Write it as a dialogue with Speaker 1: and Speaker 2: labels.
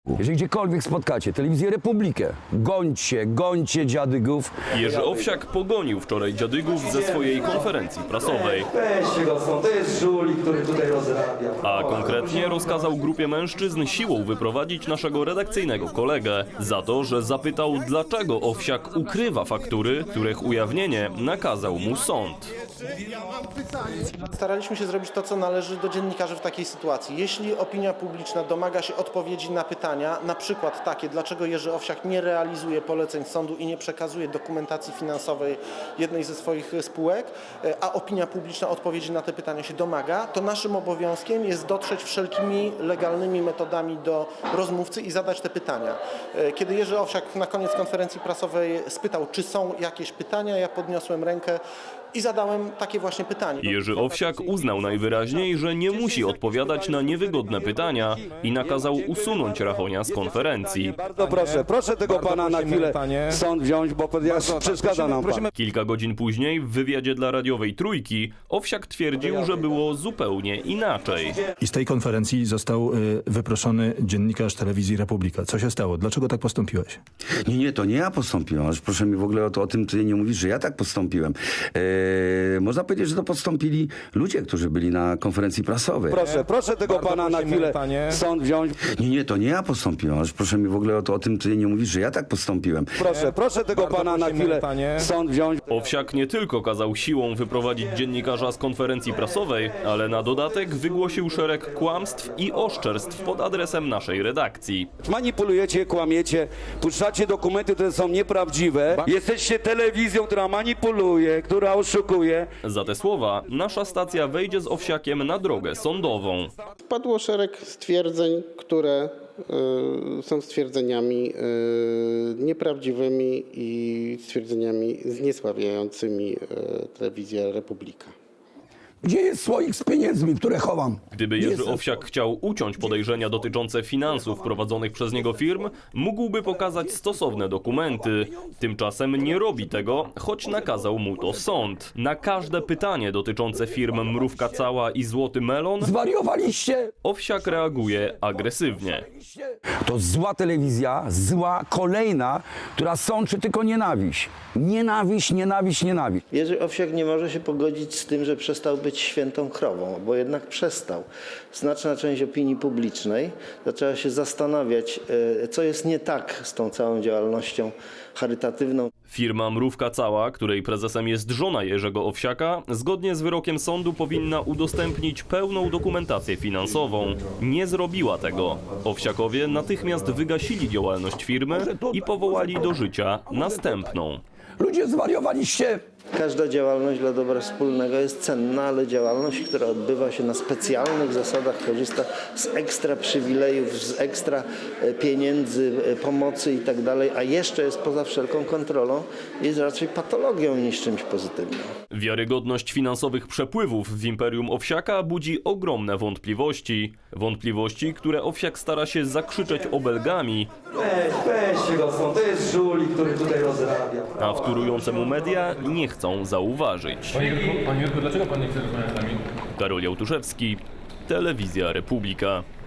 Speaker 1: Jeżeli gdziekolwiek spotkacie telewizję Republikę, gońcie dziadygów.
Speaker 2: Jerzy Owsiak pogonił wczoraj dziadygów ze swojej konferencji prasowej.
Speaker 3: Weźcie go stąd, to jest żuli, który tutaj rozrabia.
Speaker 2: A konkretnie rozkazał grupie mężczyzn siłą wyprowadzić naszego redakcyjnego kolegę za to, że zapytał, dlaczego Owsiak ukrywa faktury, których ujawnienie nakazał mu sąd.
Speaker 4: Staraliśmy się zrobić to, co należy do dziennikarzy w takiej sytuacji. Jeśli opinia publiczna domaga się odpowiedzi na pytania, na przykład takie, dlaczego Jerzy Owsiak nie realizuje poleceń sądu i nie przekazuje dokumentacji finansowej jednej ze swoich spółek, a opinia publiczna odpowiedzi na te pytania się domaga, to naszym obowiązkiem jest dotrzeć wszelkimi legalnymi metodami do rozmówcy i zadać te pytania. Kiedy Jerzy Owsiak na koniec konferencji prasowej spytał, czy są jakieś pytania, ja podniosłem rękę i zadałem takie właśnie pytanie.
Speaker 2: Jerzy Owsiak uznał najwyraźniej, że nie musi odpowiadać na niewygodne pytania i nakazał usunąć Rachonia z konferencji.
Speaker 5: Bardzo proszę tego pana na chwilę sąd wziąć, bo przeszkadza nam pan.
Speaker 2: Kilka godzin później w wywiadzie dla radiowej Trójki Owsiak twierdził, że było zupełnie inaczej.
Speaker 6: I z tej konferencji został wyproszony dziennikarz telewizji Republika. Co się stało? Dlaczego tak postąpiłeś?
Speaker 7: Nie, to nie ja postąpiłem. Ależ proszę mi w ogóle o tym ty nie mówisz, że ja tak postąpiłem. Można powiedzieć, że to postąpili ludzie, którzy byli na konferencji prasowej.
Speaker 5: Proszę tego pana na chwilę sąd wziąć.
Speaker 7: Nie, to nie ja postąpiłem. Ależ proszę mi w ogóle o tym ty nie mówisz, że ja tak postąpiłem.
Speaker 5: Proszę tego pana na chwilę sąd wziąć.
Speaker 2: Owsiak nie tylko kazał siłą wyprowadzić dziennikarza z konferencji prasowej, ale na dodatek wygłosił szereg kłamstw i oszczerstw pod adresem naszej redakcji.
Speaker 5: Manipulujecie, kłamiecie, puszczacie dokumenty, które są nieprawdziwe. Jesteście telewizją, która manipuluje, która oszukuje.
Speaker 2: Za te słowa nasza stacja wejdzie z Owsiakiem na drogę sądową.
Speaker 8: Padło szereg stwierdzeń, które są stwierdzeniami nieprawdziwymi i stwierdzeniami zniesławiającymi telewizję Republika.
Speaker 1: Gdzie jest słoik z pieniędzmi, które chowam?
Speaker 2: Gdyby Jerzy Owsiak chciał uciąć podejrzenia dotyczące finansów prowadzonych przez niego firm, mógłby pokazać stosowne dokumenty. Tymczasem nie robi tego, choć nakazał mu to sąd. Na każde pytanie dotyczące firm Mrówka Cała i Złoty Melon
Speaker 1: Zwariowaliście?
Speaker 2: Owsiak reaguje agresywnie.
Speaker 1: To zła telewizja, zła, kolejna, która sączy tylko nienawiść. Nienawiść.
Speaker 9: Jerzy Owsiak nie może się pogodzić z tym, że przestał być świętą krową, bo jednak przestał. Znaczna część opinii publicznej zaczęła się zastanawiać, co jest nie tak z tą całą działalnością charytatywną.
Speaker 2: Firma Mrówka Cała, której prezesem jest żona Jerzego Owsiaka, zgodnie z wyrokiem sądu powinna udostępnić pełną dokumentację finansową. Nie zrobiła tego. Owsiakowie natychmiast wygasili działalność firmy i powołali do życia następną.
Speaker 1: Ludzie, zwariowaliście?
Speaker 9: Każda działalność dla dobra wspólnego jest cenna, ale działalność, która odbywa się na specjalnych zasadach, korzysta z ekstra przywilejów, z ekstra pieniędzy, pomocy i tak dalej, a jeszcze jest poza wszelką kontrolą, jest raczej patologią niż czymś pozytywnym.
Speaker 2: Wiarygodność finansowych przepływów w imperium Owsiaka budzi ogromne wątpliwości. Wątpliwości, które Owsiak stara się zakrzyczeć obelgami,
Speaker 3: Weźcie go stąd, to jest żuli, który tutaj rozrabia.
Speaker 2: a wtórujące mu media nie chcą zauważyć.
Speaker 10: Panie Jurku, dlaczego pan nie chce rozmawiać z nami?
Speaker 2: Karol Jałtuszewski, Telewizja Republika.